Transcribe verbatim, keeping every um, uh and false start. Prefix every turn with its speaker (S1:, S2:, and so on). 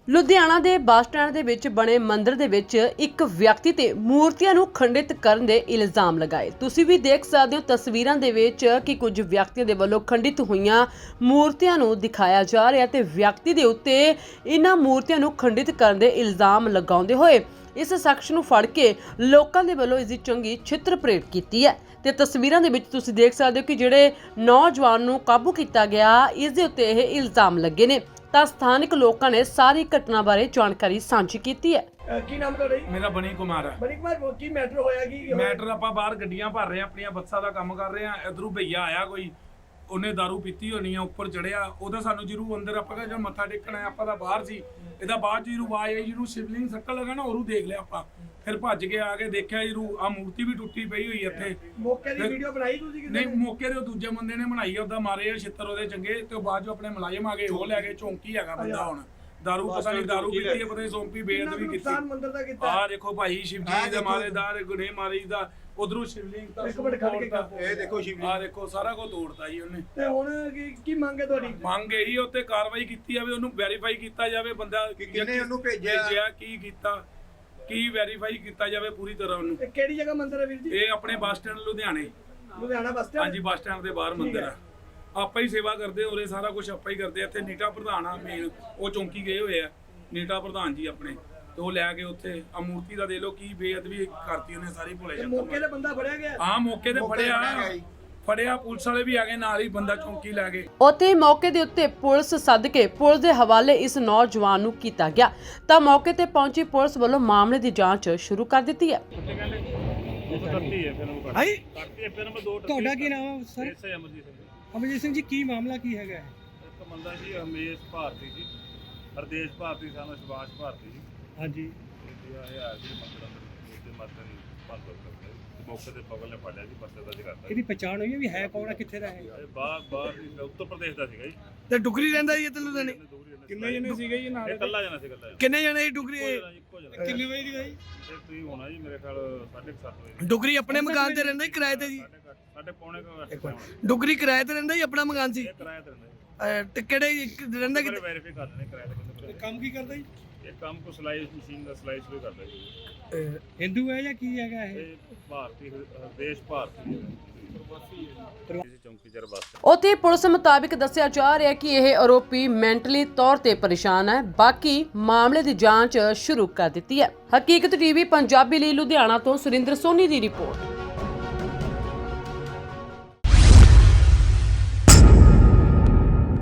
S1: ਲੁਧਿਆਣਾ ਦੇ bus stand ਦੇ ਵਿੱਚ ਬਣੇ ਮੰਦਿਰ ਦੇ ਵਿੱਚ ਇੱਕ ਵਿਅਕਤੀ ਤੇ ਮੂਰਤੀਆਂ ਨੂੰ ਖੰਡਿਤ ਕਰਨ ਦੇ ਇਲਜ਼ਾਮ ਲਗਾਏ। ਤੁਸੀਂ ਵੀ ਦੇਖ ਸਕਦੇ ਹੋ ਤਸਵੀਰਾਂ ਦੇ ਵਿੱਚ ਕਿ ਕੁਝ ਵਿਅਕਤੀਆਂ ਦੇ ਵੱਲੋਂ ਖੰਡਿਤ ਹੋਈਆਂ ਮੂਰਤੀਆਂ ਨੂੰ ਦਿਖਾਇਆ ਜਾ ਰਿਹਾ ਤੇ ਵਿਅਕਤੀ ਦੇ ਉੱਤੇ ਇਹਨਾਂ ਮੂਰਤੀਆਂ ਨੂੰ ਖੰਡਿਤ ਕਰਨ ਦੇ ਇਲਜ਼ਾਮ ਲਗਾਉਂਦੇ ਹੋਏ ਇਸ ਸ਼ਖਸ ਨੂੰ ਫੜ ਕੇ ਲੋਕਾਂ ਦੇ ਵੱਲੋਂ ਇਸ ਦੀ ਚੰਗੀ ਛਿੱਤਰ ਪਰੇਡ ਕੀਤੀ ਹੈ। ਤੇ ਤਸਵੀਰਾਂ ਦੇ ਵਿੱਚ ਤੁਸੀਂ ਦੇਖ ਸਕਦੇ ਹੋ ਕਿ ਜਿਹੜੇ ਨੌਜਵਾਨ ਨੂੰ ਕਾਬੂ ਕੀਤਾ ਗਿਆ ਇਸ ਦੇ ਉੱਤੇ ਇਹ ਇਲਜ਼ਾਮ ਲੱਗੇ ਨੇ। ਤਾਂ ਸਥਾਨਕ ਲੋਕਾਂ ਨੇ ਸਾਰੀ ਘਟਨਾ ਬਾਰੇ ਜਾਣਕਾਰੀ ਸਾਂਝੀ ਕੀਤੀ ਹੈ।
S2: ਅਹ ਕੀ ਨਾਮ ਤੁਹਾਡਾ ਜੀ?
S3: ਮੇਰਾ ਬਣੀ ਕੁਮਾਰ ਹੈ।
S2: ਬਣੀ ਕੁਮਾਰ ਕੀ ਮੈਟਰ ਹੋਇਆ? ਕੀ
S3: ਮੈਟਰ ਆਪਾਂ ਬਾਹਰ ਗੱਡੀਆਂ ਭਰ ਰਹੇ ਆ, ਆਪਣੀਆਂ ਬੱਸਾਂ ਦਾ ਕੰਮ ਕਰ ਰਹੇ ਆ। ਇਧਰੋਂ ਭਈਆ ਆਇਆ ਕੋਈ, ਉਹਨੇ ਦਾਰੂ ਪੀਤੀ ਹੋਣੀ ਆ, ਉੱਪਰ ਚੜਿਆ। ਉਹਦਾ ਸਾਨੂੰ ਜਿਹਨੂੰ ਅੰਦਰ ਆਪਾਂ ਕਹਿੰਦੇ ਮੱਥਾ ਟੇਕਣਾ ਹੈ, ਆਪਾਂ ਦਾ ਬਾਹਰ ਸੀ। ਇਹਦਾ ਬਾਅਦ ਜਿਹਨੂੰ ਆਵਾਜ਼ ਆਈ, ਜਿਹਨੂੰ ਸ਼ਿਵਲਿੰਗ ਸੱਟਣ ਲੱਗਾ ਨਾ, ਉਹਨੂੰ ਦੇਖ ਲਿਆ ਆਪਾਂ। ਫਿਰ ਭੱਜ ਕੇ ਆ ਕੇ ਦੇਖਿਆ ਜਿਹਨੂੰ ਆ ਮੂਰਤੀ ਵੀ ਟੁੱਟੀ ਪਈ ਹੋਈ ਇੱਥੇ।
S2: ਮੌਕੇ ਦੀ ਵੀਡੀਓ ਬਣਾਈ ਤੁਸੀਂ ਕਿਤੇ?
S3: ਨਹੀਂ, ਮੌਕੇ ਦੇ ਉਹ ਦੂਜੇ ਬੰਦੇ ਨੇ ਬਣਾਈ, ਉਹਦਾ ਮਾਰੇ ਆ ਛਿੱਤਰ ਉਹਦੇ ਚੰਗੇ। ਤੇ ਉਹ ਬਾਅਦ ਜੋ ਆਪਣੇ ਮੁਲਾਜ਼ਮ ਆ ਗਏ, ਉਹ ਲੈ ਗਏ। ਚੌਂਕੀ ਹੈਗਾ ਬੰਦਾ ਹੁਣ। ਦਾਰੂ ਪਤਾ ਨਹੀਂ ਦਾਰੂ ਪੀਤੀ ਹੈ, ਪਤਾ ਨਹੀਂ ਸੌਂਪੀ ਬੇਅਦਬੀ ਕੀਤੀ।
S2: ਮੰਦਿਰ ਦਾ ਕੀਤਾ
S3: ਆ ਦੇਖੋ ਭਾਈ, ਸ਼ਿਵ ਜੀ ਦੇ ਮਾਰੇਦਾਰ ਗੁਨੇ ਮਾਰੀ ਦਾ। ਉਧਰੋਂ ਸ਼ਿਵਲਿੰਗ ਤਾਂ
S2: ਇੱਕ ਮਿੰਟ ਖੜ ਕੇ ਕਰ।
S4: ਇਹ ਦੇਖੋ ਸ਼ਿਵਲਿੰਗ,
S3: ਆ ਦੇਖੋ ਸਾਰਾ ਕੁਝ ਤੋੜਤਾ ਜੀ ਉਹਨੇ।
S2: ਤੇ ਹੁਣ ਕੀ ਕੀ ਮੰਗ ਹੈ ਤੁਹਾਡੀ?
S3: ਮੰਗ ਇਹੀ ਉੱਤੇ ਕਾਰਵਾਈ ਕੀਤੀ ਜਾਵੇ, ਉਹਨੂੰ ਵੈਰੀਫਾਈ ਕੀਤਾ ਜਾਵੇ ਬੰਦਾ
S4: ਕਿਹਨੇ ਉਹਨੂੰ ਭੇਜਿਆ,
S3: ਕੀ ਕੀਤਾ, ਕੀ ਵੈਰੀਫਾਈ ਕੀਤਾ ਜਾਵੇ ਪੂਰੀ ਤਰ੍ਹਾਂ ਉਹਨੂੰ।
S2: ਇਹ ਕਿਹੜੀ ਜਗ੍ਹਾ ਮੰਦਿਰ ਹੈ ਵੀਰ ਜੀ?
S3: ਇਹ ਆਪਣੇ ਬੱਸ ਸਟੈਂਡ ਲੁਧਿਆਣੇ।
S2: Ludhiana bus stand?
S3: ਹਾਂਜੀ, ਬੱਸ ਸਟੈਂਡ ਦੇ ਬਾਹਰ ਮੰਦਿਰ ਆ। ਆਪਾਂ ਹੀ ਸੇਵਾ ਕਰਦੇ ਹੋਰੇ, ਸਾਰਾ ਕੁਝ ਆਪਾਂ ਹੀ ਕਰਦੇ। ਇੱਥੇ ਨੀਟਾ ਪ੍ਰਧਾਨ ਆ ਮੇਨ, ਉਹ ਚੌਂਕੀ ਗਏ ਹੋਏ ਆ ਨੀਟਾ ਪ੍ਰਧਾਨ ਜੀ ਆਪਣੇ। ਤੇ ਉਹ ਲੈ ਕੇ ਉੱਥੇ ਆ ਮੂਰਤੀ ਦਾ ਦੇ ਲੋ ਕੀ ਬੇਅਦਬੀ ਕਰਤੀ ਉਹਨੇ ਸਾਰੀ। ਭੁਲੇ ਸ਼ੰਕਰ
S2: ਮੌਕੇ ਤੇ ਬੰਦਾ ਫੜਿਆ ਗਿਆ?
S3: ਹਾਂ, ਮੌਕੇ ਤੇ ਫੜਿਆ ਫੜਿਆ ਪੁਲਿਸ ਵਾਲੇ ਵੀ ਆ ਗਏ ਨਾਲ ਹੀ, ਬੰਦਾ ਚੌਂਕੀ ਲੈ ਗਏ।
S1: ਉੱਥੇ ਮੌਕੇ ਦੇ ਉੱਤੇ ਪੁਲਿਸ ਸੱਦ ਕੇ ਪੁਲਿਸ ਦੇ ਹਵਾਲੇ ਇਸ ਨੌਜਵਾਨ ਨੂੰ ਕੀਤਾ ਗਿਆ। ਤਾਂ ਮੌਕੇ ਤੇ ਪਹੁੰਚੀ ਪੁਲਿਸ ਵੱਲੋਂ ਮਾਮਲੇ ਦੀ ਜਾਂਚ ਸ਼ੁਰੂ ਕਰ ਦਿੱਤੀ ਹੈ।
S5: ਹਾਈ ਤੁਹਾਡਾ ਕੀ ਨਾਮ ਹੈ ਸਰ?
S6: ਅਮਰਜੀਤ ਸਿੰਘ।
S5: ਅਮਰਜੀਤ ਸਿੰਘ ਜੀ, ਕੀ ਮਾਮਲਾ ਕੀ ਹੈਗਾ?
S6: ਇੱਕ ਬੰਦਾ ਜੀ ਹਮੇਸ਼ ਭਾਰਤੀ ਜੀ, ਹਰਦੇਸ਼ ਭਾਰਤੀ, ਸਾਨੂੰ ਸੁਭਾਸ਼ ਭਾਰਤੀ ਜੀ।
S5: ਹਾਂਜੀ,
S6: ਇਹ ਆਇਆ ਜੀ ਮੰਦਰਾਂ ਦੇ ਉੱਤੇ ਮਾਤਨ ਬੰਦ ਕਰਦੇ ਮੌਕੇ ਤੇ ਪਕੜ ਨੇ ਫੜਿਆ ਜੀ, ਪਰਚਾ ਦਰਜ ਕਰਤਾ।
S5: ਇਹਦੀ ਪਛਾਣ ਹੋਈ ਹੈ ਵੀ ਹੈ ਕੌਣ ਹੈ, ਕਿੱਥੇ ਦਾ ਹੈ?
S6: ਇਹ ਬਾਹਰ ਬਾਹਰ ਦੀ ਉੱਤਰ ਪ੍ਰਦੇਸ਼ ਦਾ ਸੀਗਾ ਜੀ।
S2: ਤੇ ਡੁਗਰੀ ਰਹਿੰਦਾ ਜੀ ਇੱਥੇ ਲੁਧਿਆਣੇ?
S6: ਕਿੰਨੇ ਜਣੇ ਸੀਗੇ ਜੀ ਨਾਲ? ਇਕੱਲਾ ਜਣਾ ਸੀ, ਇਕੱਲਾ।
S2: ਕਿੰਨੇ ਜਣੇ ਡੁਗਰੀ?
S6: ਇੱਕੋ ਜਣਾ।
S2: ਕਿੰਨੇ ਵਜੇ ਦੀ ਗਈ?
S6: ਇਹ ਤੁਸੀਂ ਹੋਣਾ ਜੀ ਮੇਰੇ ਖਿਆਲ ਸਾਢੇ ਕੁ ਸੱਤ ਵਜੇ।
S2: ਡੁਗਰੀ ਆਪਣੇ ਮਕਾਨ ਤੇ ਰਹਿੰਦਾ ਹੀ ਕਿਰਾਏ ਤੇ ਜੀ?
S6: ਸਾਡੇ ਪੌਣੇ ਕੁ
S2: ਡੁਗਰੀ ਕਿਰਾਏ ਤੇ ਰਹਿੰਦਾ ਹੀ ਆਪਣਾ ਮਕਾਨ ਸੀ?
S6: ਕਿਰਾਇਆ ਤੇ ਰਹਿੰਦਾ ਜੀ।
S2: ਤੇ ਕਿਹੜੇ ਰਹਿੰਦਾ
S6: ਜੀ।
S2: ਕਿਤੇ?
S6: ਵੈਰੀਫਾਈ ਕਰ ਲੈਣੇ ਕਿਰਾਇਆ ਤੇ ਕਿੰਨੇ।
S5: ਕੰਮ ਕੀ ਕਰਦਾ ਜੀ?
S6: ਇਹ ਕੰਮ ਕੋ ਸਲਾਈ ਮਸ਼ੀਨ ਦਾ ਸਲਾਈ ਸ਼ੁਰੂ ਕਰਦਾ ਜੀ।
S5: ਹਿੰਦੂ ਹੈ ਜਾਂ ਕੀ ਹੈਗਾ ਇਹ?
S6: ਇਹ ਭਾਰਤੀ ਦੇਸ਼ ਭਾਰਤੀ ਚੌਂਕੀ ਚਰ ਬਸ।
S1: ਉੱਥੇ ਪੁਲਿਸ ਮੁਤਾਬਿਕ ਦੱਸਿਆ ਜਾ ਰਿਹਾ ਕਿ ਇਹ ਆਰੋਪੀ ਮੈਂਟਲੀ ਤੌਰ ਤੇ ਪਰੇਸ਼ਾਨ ਹੈ। ਬਾਕੀ ਮਾਮਲੇ ਦੀ ਜਾਂਚ ਸ਼ੁਰੂ ਕਰ ਦਿੱਤੀ ਹੈ। ਹਕੀਕਤ ਟੀਵੀ ਪੰਜਾਬੀ ਲਈ ਲੁਧਿਆਣਾ ਤੋਂ ਸੁਰਿੰਦਰ ਸੋਨੀ ਦੀ ਰਿਪੋਰਟ।